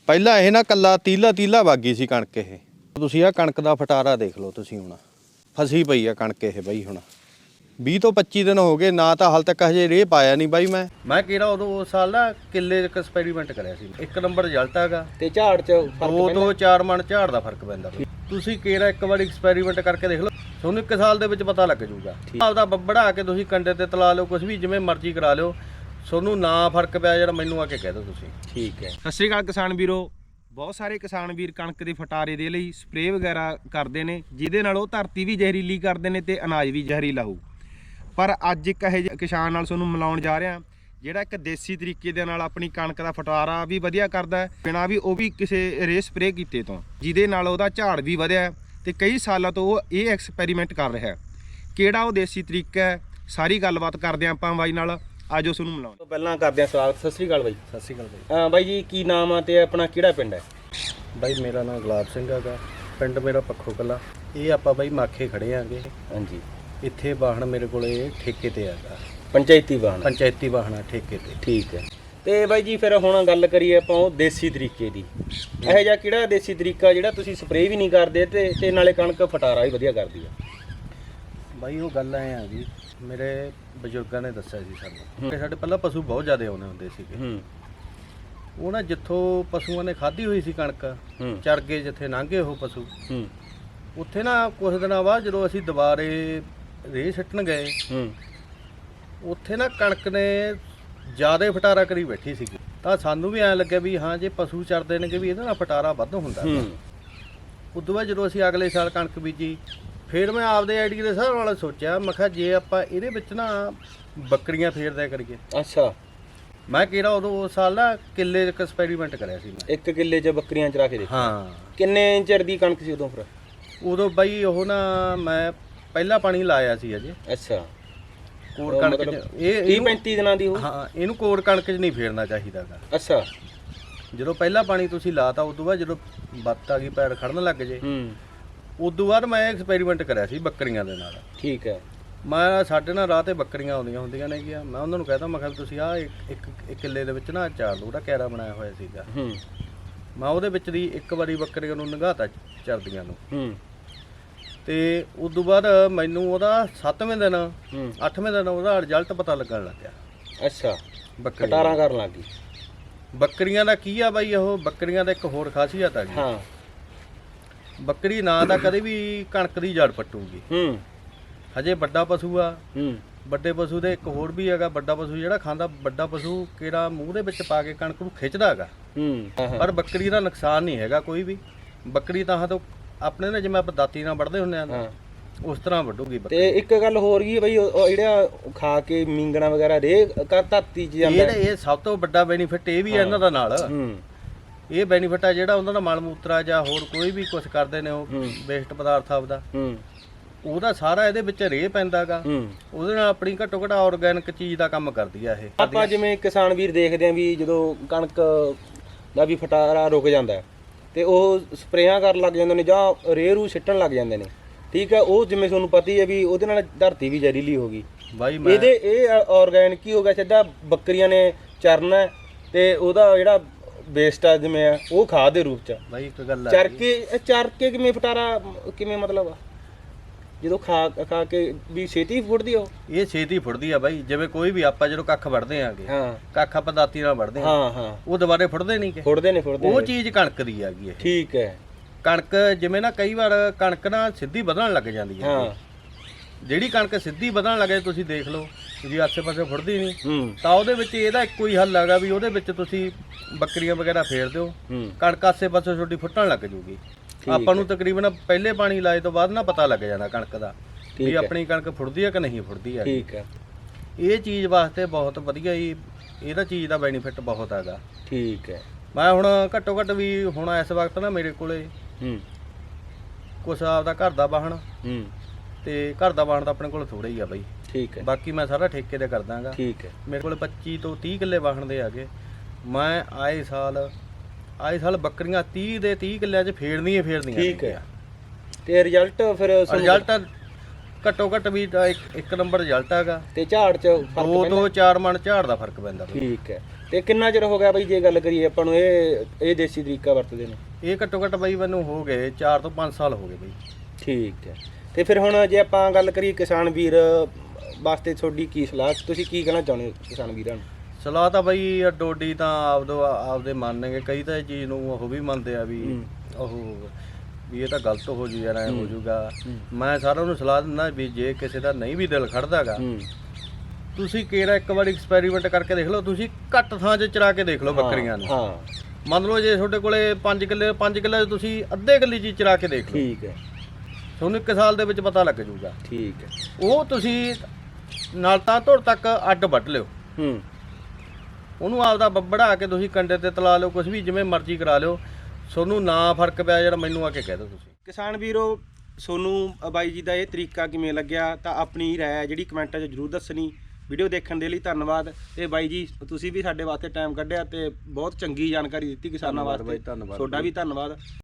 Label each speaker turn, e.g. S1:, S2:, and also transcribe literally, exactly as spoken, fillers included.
S1: ਪਹਿਲਾਂ ਇਹ ਨਾ ਕੱਲਾ ਤੀਲਾ ਤੀਲਾ ਵਾਗੀ ਸੀ ਕਣਕ। ਇਹ ਤੁਸੀਂ ਆ ਕਣਕ ਦਾ ਫਟਾਰਾ ਦੇਖ ਲਓ ਤੁਸੀਂ, ਹੁਣ ਫਸੀ ਪਈ ਆ ਕਣਕ ਇਹ ਬਈ। ਹੁਣ ਵੀਹ ਤੋਂ ਪੱਚੀ ਦਿਨ ਹੋ ਗਏ ਨਾ, ਤਾਂ ਹਾਲ ਤੱਕ ਹਜੇ ਰੇਹ ਪਾਇਆ ਨਹੀਂ ਬਾਈ। ਮੈਂ ਮੈਂ ਕਿਹੜਾ ਉਦੋਂ ਉਸ ਸਾਲ ਨਾ ਕਿੱਲੇ ਇੱਕ ਐਕਸਪੈਰੀਮੈਂਟ ਕਰਿਆ ਸੀ, ਇੱਕ ਨੰਬਰ ਰਿਜ਼ਲਟ ਹੈਗਾ
S2: ਤੇ ਝਾੜ ਚ
S1: ਦੋ ਤੋਂ ਚਾਰ ਮਣ ਝਾੜ ਦਾ ਫਰਕ ਪੈਂਦਾ। ਤੁਸੀਂ ਕਿਹੜਾ ਇੱਕ ਵਾਰੀ ਐਕਸਪੈਰੀਮੈਂਟ ਕਰਕੇ ਦੇਖ ਲਓ, ਤੁਹਾਨੂੰ ਇੱਕ ਸਾਲ ਦੇ ਵਿੱਚ ਪਤਾ ਲੱਗ ਜਾਊਗਾ। ਆਪਦਾ ਬੜਾ ਕੇ ਤੁਸੀਂ ਕੰਡੇ ਤੇ ਤਲਾ ਲਿਓ, ਕੁਝ ਵੀ ਜਿਵੇਂ ਮਰਜ਼ੀ ਕਰਾ ਲਿਓ, ਤੁਹਾਨੂੰ ਨਾ ਫਰਕ ਪਿਆ ਜਿਹੜਾ ਮੈਨੂੰ ਆ ਕੇ ਕਹਿ ਦਿਓ ਤੁਸੀਂ।
S2: ਠੀਕ ਹੈ। ਸਤਿ ਸ਼੍ਰੀ ਅਕਾਲ ਕਿਸਾਨ ਵੀਰੋ। ਬਹੁਤ ਸਾਰੇ ਕਿਸਾਨ ਵੀਰ ਕਣਕ ਦੇ ਫਟਾਰੇ ਦੇ ਲਈ ਸਪਰੇਅ ਵਗੈਰਾ ਕਰਦੇ ਨੇ, ਜਿਹਦੇ ਨਾਲ ਉਹ ਧਰਤੀ ਵੀ ਜ਼ਹਿਰੀਲੀ ਕਰਦੇ ਨੇ ਤੇ ਅਨਾਜ ਵੀ ਜ਼ਹਿਰੀਲਾ ਹੋਊ। ਪਰ ਅੱਜ ਇੱਕ ਇਹੋ ਜਿਹੇ ਕਿਸਾਨ ਨਾਲ ਤੁਹਾਨੂੰ ਮਿਲਾਉਣ ਜਾ ਰਿਹਾ ਜਿਹੜਾ ਇੱਕ ਦੇਸੀ ਤਰੀਕੇ ਦੇ ਨਾਲ ਆਪਣੀ ਕਣਕ ਦਾ ਫਟਾਰਾ ਵੀ ਵਧੀਆ ਕਰਦਾ ਹੈ, ਬਿਨਾਂ ਵੀ ਉਹ ਵੀ ਕਿਸੇ ਰੇ ਸਪਰੇਅ ਕੀਤੇ ਤੋਂ, ਜਿਹਦੇ ਨਾਲ ਉਹਦਾ ਝਾੜ ਵੀ ਵਧਿਆ ਤੇ ਕਈ ਸਾਲਾਂ ਤੋਂ ਉਹ ਇਹ ਐਕਸਪੈਰੀਮੈਂਟ ਕਰ ਰਿਹਾ ਹੈ। ਕਿਹੜਾ ਉਹ ਦੇਸੀ ਤਰੀਕਾ ਹੈ, ਸਾਰੀ ਗੱਲਬਾਤ ਕਰਦੇ ਆਪਾਂ ਬਾਈ ਨਾਲ। ਆਜੋ ਤੁਹਾਨੂੰ ਮਿਲਾਉਣ ਤੋਂ ਪਹਿਲਾਂ ਕਰਦੇ ਹਾਂ ਸਵਾਗਤ। ਸਤਿ ਸ਼੍ਰੀ ਅਕਾਲ ਬਾਈ।
S1: ਸਤਿ ਸ਼੍ਰੀ ਅਕਾਲ ਬਾਈ।
S2: ਹਾਂ ਬਾਈ ਜੀ, ਕੀ ਨਾਮ ਆ ਤੇ ਆਪਣਾ ਕਿਹੜਾ ਪਿੰਡ ਹੈ?
S1: ਬਾਈ ਮੇਰਾ ਨਾਮ ਗੁਲਾਬ ਸਿੰਘ ਹੈਗਾ, ਪਿੰਡ ਮੇਰਾ ਪੱਖੋ ਕਲਾ। ਇਹ ਆਪਾਂ ਬਾਈ ਮਾਖੇ ਖੜੇ ਆਂਗੇ।
S2: ਹਾਂਜੀ।
S1: ਇੱਥੇ ਵਾਹਣ ਮੇਰੇ ਕੋਲੇ ਠੇਕੇ ਤੇ ਹੈਗਾ,
S2: ਪੰਚਾਇਤੀ ਵਾਹਣ।
S1: ਪੰਚਾਇਤੀ ਵਾਹਣਾ ਠੇਕੇ ਤੇ।
S2: ਠੀਕ ਹੈ। ਤੇ ਬਾਈ ਜੀ ਫਿਰ ਹੁਣ ਗੱਲ ਕਰੀਏ ਆਪਾਂ ਉਹ ਦੇਸੀ ਤਰੀਕੇ ਦੀ। ਇਹੋ ਜਿਹਾ ਕਿਹੜਾ ਦੇਸੀ ਤਰੀਕਾ ਜਿਹੜਾ ਤੁਸੀਂ ਸਪਰੇਅ ਵੀ ਨਹੀਂ ਕਰਦੇ ਤੇ ਤੇ ਨਾਲੇ ਕਣਕ ਫਟਾਰਾ ਵੀ ਵਧੀਆ ਕਰਦੀ ਆ?
S1: ਬਾਈ ਉਹ ਗੱਲ ਐ ਆ ਜੀ, ਮੇਰੇ ਬਜ਼ੁਰਗਾਂ ਨੇ ਦੱਸਿਆ ਸੀ ਸਾਨੂੰ। ਸਾਡੇ ਪਹਿਲਾਂ ਪਸ਼ੂ ਬਹੁਤ ਜ਼ਿਆਦਾ ਆਉਂਦੇ ਹੁੰਦੇ ਸੀਗੇ।
S2: ਹੂੰ।
S1: ਉਹ ਨਾ ਜਿੱਥੋਂ ਪਸ਼ੂਆਂ ਨੇ ਖਾਧੀ ਹੋਈ ਸੀ ਕਣਕ, ਚਰ ਗਏ ਜਿੱਥੇ ਲੰਘੇ ਉਹ ਪਸ਼ੂ,
S2: ਹੂੰ,
S1: ਉੱਥੇ ਨਾ ਕੁਝ ਦਿਨਾਂ ਬਾਅਦ ਜਦੋਂ ਅਸੀਂ ਦੁਬਾਰੇ ਰੇਹ ਸਿੱਟਣ ਗਏ,
S2: ਹੂੰ, ਉੱਥੇ ਨਾ ਕਣਕ ਨੇ ਜ਼ਿਆਦਾ ਫਟਾਰਾ ਕਰੀ ਬੈਠੀ ਸੀਗੀ। ਤਾਂ ਸਾਨੂੰ ਵੀ ਐਂ ਲੱਗਿਆ ਵੀ ਹਾਂ ਜੇ ਪਸ਼ੂ ਚਰਦੇ ਨੇ ਕਿ ਵੀ ਇਹਦੇ ਨਾਲ ਫਟਾਰਾ ਵੱਧ ਹੁੰਦਾ। ਉਦੋਂ ਬਾਅਦ ਜਦੋਂ ਅਸੀਂ ਅਗਲੇ ਸਾਲ ਕਣਕ ਬੀਜੀ, ਫਿਰ ਮੈਂ ਆਪਦੇ ਆਈਡੀਆ ਦੇ ਹਿਸਾਬ ਨਾਲ ਸੋਚਿਆ, ਮੈਂ ਕਿਹਾ ਜੇ ਆਪਾਂ ਇਹਦੇ ਵਿੱਚ ਨਾ ਬੱਕਰੀਆਂ ਫੇਰਦਿਆ ਕਰੀਏ। ਅੱਛਾ। ਮੈਂ
S1: ਕਿਹੜਾ ਉਦੋਂ ਉਸ ਸਾਲ ਨਾ ਕਿੱਲੇ ਇੱਕ ਐਕਸਪੈਰੀਮੈਂਟ ਕਰਿਆ ਸੀ ਮੈਂ।
S2: ਇੱਕ ਕਿੱਲੇ 'ਚ ਬੱਕਰੀਆਂ ਚਰਾ ਕੇ ਦੇਖਿਆ।
S1: ਹਾਂ।
S2: ਕਿੰਨੇ ਚਿਰ ਦੀ ਕਣਕ ਸੀ ਉਦੋਂ? ਫਿਰ
S1: ਉਦੋਂ ਬਾਈ ਉਹ ਨਾ ਮੈਂ ਪਹਿਲਾ ਪਾਣੀ ਲਾਇਆ ਸੀ ਅਜੇ।
S2: ਅੱਛਾ।
S1: ਕੋੜ ਕਣਕ ਚ ਇਹ
S2: ਤੀਹ ਪੈਂਤੀ ਦਿਨਾਂ ਦੀ ਉਹ?
S1: ਹਾਂ, ਇਹਨੂੰ ਕੋੜ ਕਣਕ 'ਚ ਨਹੀਂ ਫੇਰਨਾ ਚਾਹੀਦਾਗਾ।
S2: ਅੱਛਾ।
S1: ਜਦੋਂ ਪਹਿਲਾ ਪਾਣੀ ਤੁਸੀਂ ਲਾਤਾ, ਉਦੋਂ ਬਾਅਦ ਜਦੋਂ ਬੱਤ ਆ ਗਈ ਪੈਰ ਖੜਨ ਲੱਗ ਜੇ, ਹੂੰ, ਉਦੋਂ ਬਾਅਦ ਮੈਂ ਐਕਸਪੈਰੀਮੈਂਟ ਕਰਿਆ ਸੀ ਬੱਕਰੀਆਂ ਦੇ ਨਾਲ।
S2: ਠੀਕ ਹੈ। ਮੈਂ
S1: ਸਾਡੇ ਨਾਲ ਰਾਹ ਤੇ ਬੱਕਰੀਆਂ ਆਉਂਦੀਆਂ ਹੁੰਦੀਆਂ ਨੇ ਗਿਆ, ਮੈਂ ਉਹਨਾਂ ਨੂੰ ਕਹਿੰਦਾ ਮੈਂ ਕਿਹਾ ਤੁਸੀਂ ਆਹ ਇੱਕ ਇੱਕ ਕਿੱਲੇ ਦੇ ਵਿੱਚ ਨਾ ਚਾਰ ਲੋ, ਉਹਦਾ ਕੈਰਾ ਬਣਾਇਆ ਹੋਇਆ ਸੀਗਾ। ਹੂੰ। ਮੈਂ ਉਹਦੇ ਵਿੱਚ ਦੀ ਇੱਕ ਵਾਰੀ ਬੱਕਰੀਆਂ ਨੂੰ ਲੰਘਾਤਾ ਚਰਦੀਆਂ ਨੂੰ। ਹੂੰ। ਤੇ ਉਦੋਂ ਬਾਅਦ ਮੈਨੂੰ ਉਹਦਾ ਸੱਤਵੇਂ ਦਿਨ, ਅੱਠਵੇਂ ਦਿਨ ਉਹਦਾ ਰਿਜ਼ਲਟ ਪਤਾ ਲੱਗਣ ਲੱਗ ਗਿਆ।
S2: ਅੱਛਾ। ਬੱਕਰੀਆਂ ਫਟਾਰਾਂ ਕਰਨ ਲੱਗ ਗਈ।
S1: ਬੱਕਰੀਆਂ ਦਾ ਕੀ ਆ ਬਾਈ, ਉਹ ਬੱਕਰੀਆਂ ਦਾ ਇੱਕ ਹੋਰ ਖਾਸੀਅਤ ਆ ਜੀ। ਹਾਂ। ਬੱਕਰੀ ਨਾ ਤਾਂ ਕਦੇ ਵੀ ਕਣਕ ਦੀ ਜੜ ਪੱਟੂਗੀ। ਹੂੰ। ਹਜੇ ਵੱਡਾ ਪਸ਼ੂ ਆ। ਹੂੰ। ਵੱਡੇ ਪਸ਼ੂ ਦੇ ਇੱਕ ਹੋਰ ਵੀ ਹੈਗਾ, ਵੱਡਾ ਪਸ਼ੂ ਜਿਹੜਾ ਖਾਂਦਾ, ਵੱਡਾ ਪਸ਼ੂ ਕਿਹੜਾ ਮੂੰਹ ਦੇ ਵਿੱਚ ਪਾ ਕੇ ਕਣਕ ਨੂੰ ਖਿੱਚਦਾ ਹੈਗਾ। ਹੂੰ। ਪਰ ਬੱਕਰੀ ਦਾ ਨੁਕਸਾਨ ਨਹੀਂ ਹੈਗਾ ਕੋਈ ਵੀ। ਬੱਕਰੀ ਤਾਂ ਤੋਂ ਆਪਣੇ ਨੇ ਜਿਵੇਂ ਆਪਾਂ ਦਾਤੀ ਨਾਲ ਵੱਢਦੇ ਹੁੰਦੇ ਆ, ਉਸ ਤਰ੍ਹਾਂ ਵੱਢੂਗੀ ਬੱਕਰੀ। ਤੇ
S2: ਇੱਕ ਗੱਲ ਹੋਰ ਕੀ ਬਈ, ਉਹ ਜਿਹੜਾ ਖਾ ਕੇ ਮੀਂਗਣਾ ਵਗੈਰਾ ਰੇ ਕਰ ਧਰਤੀ 'ਚ ਜਾਂਦਾ,
S1: ਇਹ ਇਹ ਸਭ ਤੋਂ ਵੱਡਾ ਬੈਨੀਫਿਟ ਇਹ ਵੀ ਹੈ ਇਹਨਾਂ ਦਾ ਨਾਲ। ਹੂੰ। ਇਹ ਬੈਨੀਫਿਟ ਆ ਜਿਹੜਾ ਉਹਨਾਂ ਦਾ ਮਲ ਮੂਤਰਾ ਜਾਂ ਹੋਰ ਕੋਈ ਵੀ ਕੁਝ ਕਰਦੇ ਨੇ, ਉਹ ਵੇਸਟ ਪਦਾਰਥ ਆਪਦਾ, ਹੂੰ, ਉਹਦਾ ਸਾਰਾ ਇਹਦੇ ਵਿੱਚ ਰੇਹ ਪੈਂਦਾਗਾ। ਉਹਦੇ ਨਾਲ ਆਪਣੀ ਘੱਟੋ ਘੱਟ ਆਰਗੈਨਿਕ ਚੀਜ਼ ਦਾ ਕੰਮ ਕਰਦੀ ਆ ਇਹ।
S2: ਆਪਾਂ ਜਿਵੇਂ ਕਿਸਾਨ ਵੀਰ ਦੇਖਦੇ ਆਂ ਵੀ ਜਦੋਂ ਕਣਕ ਦਾ ਵੀ ਫਟਾਰਾ ਰੁਕ ਜਾਂਦਾ ਤੇ ਉਹ ਸਪਰੇਆਂ ਕਰਨ ਲੱਗ ਜਾਂਦੇ ਨੇ ਜਾਂ ਰੇਹ ਰੂ ਸਿੱਟਣ ਲੱਗ ਜਾਂਦੇ ਨੇ। ਠੀਕ ਹੈ। ਉਹ ਜਿਵੇਂ ਤੁਹਾਨੂੰ ਪਤਾ ਹੀ ਹੈ ਵੀ ਉਹਦੇ ਨਾਲ ਧਰਤੀ ਵੀ ਜ਼ਹਿਰੀਲੀ ਹੋ ਗਈ ਬਾਈ। ਇਹਦੇ ਇਹ ਆਰਗੈਨਿਕ ਹੀ ਹੋ ਗਿਆ, ਸਿੱਧਾ ਬੱਕਰੀਆਂ ਨੇ ਚਰਨਾ ਤੇ ਉਹਦਾ ਜਿਹੜਾ ਵੇਸਟ ਆ ਜਿਵੇਂ ਆ ਉਹ ਖਾਦ ਦੇ ਰੂਪ ਚ ਬਾਈ। ਇੱਕ ਗੱਲ ਚਰ ਕੇ ਚਰ ਕੇ ਕਿਵੇਂ ਫਟਾਰਾ ਕਿਵੇਂ ਮਤਲਬ ਜਦੋਂ ਖਾ ਖਾ ਕੇ ਵੀ ਛੇਤੀ ਫੁੱਟਦੀ ਆ ਉਹ? ਇਹ ਛੇਤੀ ਫੁੱਟਦੀ ਆ ਬਾਈ। ਜਿਵੇਂ ਕੋਈ ਵੀ ਆਪਾਂ ਜਦੋਂ ਕੱਖ ਵੜਦੇ ਆਂਗੇ, ਹਾਂ, ਕੱਖ ਆਪਾਂ ਦਾਤੀ ਨਾਲ ਵੜਦੇ ਆਂ, ਹਾਂ ਹਾਂ, ਉਹ ਦੁਬਾਰੇ ਫੁੱਟਦੇ ਨਹੀਂ ਕਿ ਫੁੱਟਦੇ ਨੇ ਫੁੱਟਦੇ ਉਹ ਚੀਜ਼ ਕਣਕ ਦੀ ਹੈਗੀ ਇਹ। ਠੀਕ ਹੈ। ਕਣਕ ਜਿਵੇਂ ਨਾ ਕਈ ਵਾਰ ਕਣਕ ਨਾ ਸਿੱਧੀ ਵਧਣ ਲੱਗ ਜਾਂਦੀ ਹੈ। ਹਾਂ। ਜਿਹੜੀ ਕਣਕ ਸਿੱਧੀ ਵਧਣ ਲੱਗੇ ਤੁਸੀਂ ਦੇਖ ਲਓ ਜੀ ਆਸੇ ਪਾਸੇ ਫੁੱਟਦੀ ਨਹੀਂ, ਤਾਂ ਉਹਦੇ ਵਿੱਚ ਇਹਦਾ ਇੱਕੋ ਹੀ ਹੱਲ ਹੈਗਾ ਵੀ ਉਹਦੇ ਵਿੱਚ ਤੁਸੀਂ ਬੱਕਰੀਆਂ ਵਗੈਰਾ ਫੇਰ ਦਿਓ, ਕਣਕ ਆਸੇ ਪਾਸੇ ਛੋਟੀ ਫੁੱਟਣ ਲੱਗ ਜੂਗੀ। ਆਪਾਂ ਨੂੰ ਤਕਰੀਬਨ ਪਹਿਲੇ ਪਾਣੀ ਲਾਏ ਤੋਂ ਬਾਅਦ ਨਾ ਪਤਾ ਲੱਗ ਜਾਣਾ ਕਣਕ ਦਾ ਵੀ ਆਪਣੀ ਕਣਕ ਫੁੱਟਦੀ ਹੈ ਕਿ ਨਹੀਂ ਫੁੱਟਦੀ ਹੈ। ਠੀਕ ਹੈ। ਇਹ ਚੀਜ਼ ਵਾਸਤੇ ਬਹੁਤ ਵਧੀਆ ਹੀ, ਇਹਦਾ ਚੀਜ਼ ਦਾ ਬੈਨੀਫਿਟ ਬਹੁਤ ਹੈਗਾ। ਠੀਕ ਹੈ। ਮੈਂ ਹੁਣ ਘੱਟੋ ਘੱਟ ਵੀ ਹੁਣ ਇਸ ਵਕਤ ਨਾ ਮੇਰੇ ਕੋਲੇ ਹੂੰ ਕੁਛ ਆਪਦਾ ਘਰ ਦਾ ਵਾਹਣ, ਹੂੰ, ਤੇ ਘਰ ਦਾ ਵਾਹਣ ਤਾਂ ਆਪਣੇ ਕੋਲ ਥੋੜਾ ਹੀ ਆ ਬਾਈ। ਠੀਕ ਹੈ। ਬਾਕੀ ਮੈਂ ਸਾਰਾ ਠੇਕੇ ਤੇ ਕਰਦਾਗਾ। ਠੀਕ ਹੈ। ਮੇਰੇ ਕੋਲ ਪੱਚੀ ਤੋਂ ਤੀਹ ਕਿੱਲੇ ਵਾਹਣ ਦੇ ਹੈਗੇ। ਮੈਂ ਆਏ ਸਾਲ ਆਏ ਸਾਲ ਬੱਕਰੀਆਂ ਤੀਹ ਦੇ ਤੀਹ ਕਿੱਲਿਆਂ 'ਚ ਫੇਰਦੀਆਂ ਫੇਰਦੀਆਂ। ਠੀਕ ਹੈ। ਤੇ ਰਿਜ਼ਲਟ ਫਿਰ ਰਿਜ਼ਲਟ ਘੱਟੋ ਘੱਟ ਵੀ ਇੱਕ ਨੰਬਰ ਰਿਜ਼ਲਟ ਹੈਗਾ ਤੇ ਝਾੜ 'ਚ ਦੋ ਤੋਂ ਚਾਰ ਮਣ ਝਾੜ ਦਾ ਫਰਕ ਪੈਂਦਾ। ਠੀਕ ਹੈ। ਤੇ ਕਿੰਨਾ ਚਿਰ ਹੋ ਗਿਆ ਬਾਈ ਜੇ ਗੱਲ ਕਰੀਏ ਆਪਾਂ ਨੂੰ ਇਹ ਇਹ ਦੇਸੀ ਤਰੀਕਾ ਵਰਤਦੇ ਨੇ?
S1: ਇਹ ਘੱਟੋ ਘੱਟ ਬਾਈ ਮੈਨੂੰ ਹੋ ਗਏ ਚਾਰ ਤੋਂ ਪੰਜ ਸਾਲ ਹੋ ਗਏ ਬਾਈ।
S2: ਠੀਕ ਹੈ। ਤੇ ਫਿਰ ਹੁਣ ਜੇ ਆਪਾਂ ਗੱਲ ਕਰੀਏ ਕਿਸਾਨ ਵੀਰ ਵਾਸਤੇ ਤੁਹਾਡੀ ਕੀ ਸਲਾਹ, ਤੁਸੀਂ ਕੀ ਕਹਿਣਾ ਚਾਹੁੰਦੇ ਹੋ ਕਿਸਾਨ ਵੀਰਾਂ ਨੂੰ?
S1: ਸਲਾਹ ਤਾਂ ਬਾਈ ਡੋਡੀ ਤਾਂ ਆਪਦੋ ਆਪਦੇ ਮੰਨਣਗੇ, ਕਈ ਤਾਂ ਇਹ ਚੀਜ਼ ਨੂੰ ਉਹ ਵੀ ਮੰਨਦੇ ਆ ਵੀ ਉਹ ਵੀ ਇਹ ਤਾਂ ਗਲਤ ਹੋ ਜੂ ਯਾਰ, ਐ ਹੋ ਜੂਗਾ। ਮੈਂ ਸਾਰਿਆਂ ਨੂੰ ਸਲਾਹ ਦਿੰਦਾ ਵੀ ਜੇ ਕਿਸੇ ਦਾ ਨਹੀਂ ਵੀ ਦਿਲ ਖੜਦਾਗਾ, ਤੁਸੀਂ ਕਿਹੜਾ ਇੱਕ ਵਾਰ ਐਕਸਪੈਰੀਮੈਂਟ ਕਰਕੇ ਦੇਖ ਲਓ। ਤੁਸੀਂ ਘੱਟ ਥਾਂ 'ਚ ਚਰਾ ਕੇ ਦੇਖ ਲਓ ਬੱਕਰੀਆਂ ਨੂੰ। ਹਾਂ, ਮੰਨ ਲਓ ਜੇ ਤੁਹਾਡੇ ਕੋਲੇ ਪੰਜ ਕਿੱਲੇ ਪੰਜ ਕਿੱਲੇ ਤੁਸੀਂ ਅੱਧੇ ਕਿੱਲੇ 'ਚ ਚਰਾ ਕੇ ਦੇਖ ਲਓ। ਠੀਕ ਹੈ, ਤੁਹਾਨੂੰ ਇੱਕ ਸਾਲ ਦੇ ਵਿੱਚ ਪਤਾ ਲੱਗ ਜੂਗਾ। ਠੀਕ ਹੈ, ਉਹ ਤੁਸੀਂ ਨਾਲ ਤਾਂ ਧੁਰ ਤੱਕ ਅੱਡ ਵੱਢ ਲਿਓ। ਹੂੰ, ਉਹਨੂੰ ਆਪਦਾ ਬੜਾ ਕੇ ਤੁਸੀਂ ਕੰਡੇ ਤੇ ਤਲਾ ਲਿਓ, ਕੁਝ ਵੀ ਜਿਵੇਂ ਮਰਜ਼ੀ ਕਰਾ ਲਿਓ। ਤੁਹਾਨੂੰ ਨਾ ਫਰਕ ਪਿਆ ਜਿਹੜਾ ਮੈਨੂੰ ਆ ਕੇ ਕਹਿ ਦਿਓ ਤੁਸੀਂ। ਕਿਸਾਨ ਵੀਰੋ, ਤੁਹਾਨੂੰ ਬਾਈ ਜੀ ਦਾ ਇਹ ਤਰੀਕਾ ਕਿਵੇਂ ਲੱਗਿਆ ਤਾਂ ਆਪਣੀ ਰਾਏ ਜਿਹੜੀ ਕਮੈਂਟਾਂ 'ਚ ਜ਼ਰੂਰ ਦੱਸਣੀ। ਵੀਡੀਓ ਦੇਖਣ ਦੇ ਲਈ ਧੰਨਵਾਦ। ਤੇ ਬਾਈ ਜੀ ਤੁਸੀਂ ਵੀ ਸਾਡੇ ਵਾਸਤੇ ਟਾਈਮ ਕੱਢਿਆ ਤੇ ਬਹੁਤ ਚੰਗੀ ਜਾਣਕਾਰੀ ਦਿੱਤੀ ਕਿਸਾਨਾਂ ਵਾਸਤੇ। ਤੁਹਾਡਾ ਵੀ ਧੰਨਵਾਦ।